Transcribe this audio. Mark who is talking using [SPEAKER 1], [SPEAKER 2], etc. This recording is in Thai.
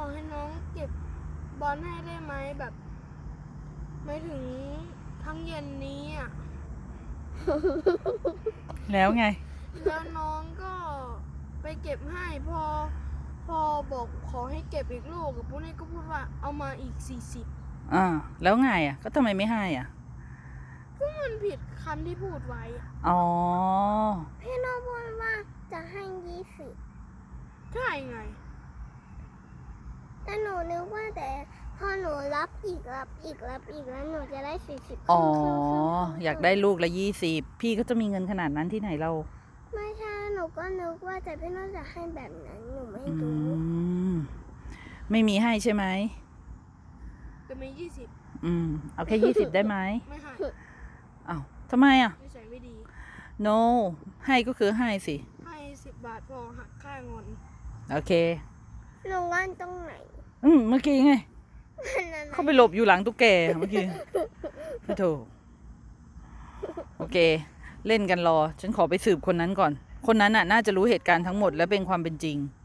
[SPEAKER 1] อให้น้องเก็บบอลให้ได้ไหมแบบไม่ถึงทั้งเย็นนี้อ่ะ
[SPEAKER 2] แล้วไง
[SPEAKER 1] แล้วน้องก็ไปเก็บให้พอบอกขอให้เก็บอีกลูกกับปุ๊นี่ก็พูดว่าเอามาอีก40
[SPEAKER 2] แล้วไงอ่ะก็ทำไมไม่ให้อ่ะ
[SPEAKER 1] ก็มันผิดคำที่พูดไว้อะ
[SPEAKER 2] อ๋อ
[SPEAKER 3] พี่โนพูดว่าจะให้20
[SPEAKER 1] ใช่ไง
[SPEAKER 3] แต่หนูนึกว่าแต่พอหนูรับอีกแล้วหนูจะได้40
[SPEAKER 2] อ๋อ
[SPEAKER 3] ครึ่ง
[SPEAKER 2] อยากได้ลูกละ20พี่ก็จะมีเงินขนาดนั้นที่ไหนเรา
[SPEAKER 3] ไม่ใช่หนูก็นึกว่าแต่พี่โนจะให้แบบนั้นหนูไม่
[SPEAKER 2] อื
[SPEAKER 3] รู้
[SPEAKER 2] ม ไม่มีให้ใช่ไหม
[SPEAKER 1] จะมี20
[SPEAKER 2] เอาแค่20ได้ไหม
[SPEAKER 1] ไม่ให้
[SPEAKER 2] อ้าวทำไมอ่ะ
[SPEAKER 1] นิสัยไม่ดี
[SPEAKER 2] no ให้ก็คือให้สิ
[SPEAKER 1] ให้10 บาทพอหักค่าเงิน
[SPEAKER 2] โอเค
[SPEAKER 3] หนูว่านตรงไหน
[SPEAKER 2] เมื่อกี้ไง
[SPEAKER 3] มันอะไร
[SPEAKER 2] เข้าไปหลบอยู่หลังตุ๊กแกเมื่อกี้ไม่ถูกโอเค เล่นกันรอ ฉันขอไปสืบคนนั้นก่อน คนนั้นน่ะน่าจะรู้เหตุการณ์ทั้งหมดและเป็นความเป็นจริง